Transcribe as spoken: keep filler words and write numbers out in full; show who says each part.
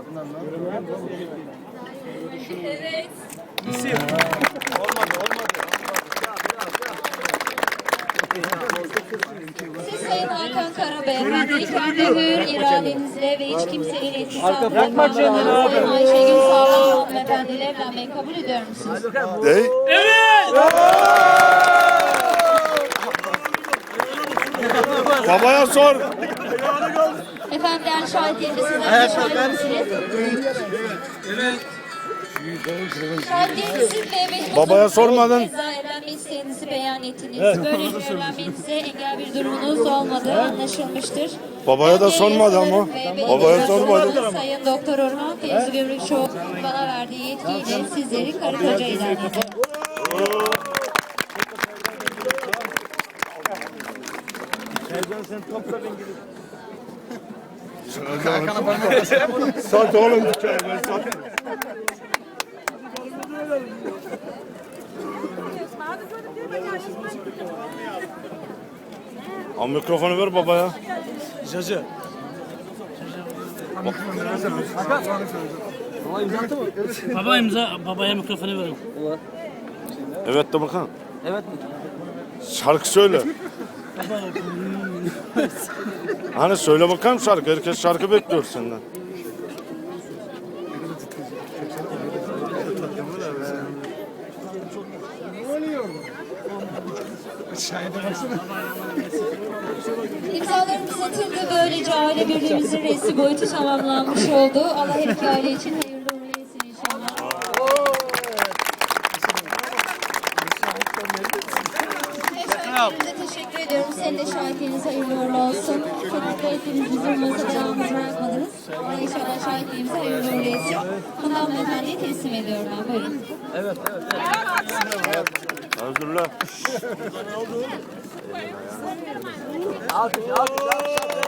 Speaker 1: Evet.
Speaker 2: İsim. Olmadı, olmadı.
Speaker 1: Siz Sayın Hakan Karabeyefendi, kendi hür iradenizle ve hiç kimsenin etkisi altında
Speaker 2: Bırakma kendini abi.
Speaker 1: Sayın Ayşegül Sağlam hanımefendiyle evlenmeyi kabul ediyor musunuz?
Speaker 3: Değil. Babaya sor.
Speaker 1: Efendim değerli şahitlerimiz, sizler de şahit misiniz? Şahitlerinizin ve
Speaker 3: Babaya sormadın.
Speaker 1: Keza evlenme isteğinizi beyan ettiniz. Böylece evlenmenize engel bir durumunuz olmadığı anlaşılmıştır.
Speaker 3: Babaya da
Speaker 1: Ben de
Speaker 3: sormadı ama.
Speaker 1: yasaların ve belediye
Speaker 3: Babaya sormadı.
Speaker 1: başkanı Sayın Doktor Orhan Fevzi Gümrükçoğlu'nun bana verdiği yetkiyle sizleri karı koca ilan ediyorum.
Speaker 2: Sen topla ben gidip.
Speaker 3: Sat oğlum dükkanı ben sat. Al mikrofonu ver babaya.
Speaker 2: Cacı.
Speaker 4: Baba imza, babaya mikrofonu verin.
Speaker 3: Evet de bakalım.
Speaker 2: Evet.
Speaker 3: Şarkı söyle. Hani söyle bakalım şarkı. Herkes şarkı bekliyor senden.
Speaker 1: İmzalarımız atıldı. Böylece aile birliğimizin resmi boyutu tamamlanmış oldu. Allah her iki aile için hayırlı uğurlu etsin inşallah. Şahitlerimize teşekkür ediyorum. Senin de şahitliğiniz hayırlı uğurlu olsun. Sonunda hepiniz bizim masada yalnız bırakmadınız. Allah inşallah şahitliğimize hayırlı uğurlu etsin. Hanım hanımefendiye teslim ediyorum ben. Buyurun.
Speaker 2: Evet, evet, evet.
Speaker 3: Özgürler.
Speaker 2: Alkış, alkış, alkış.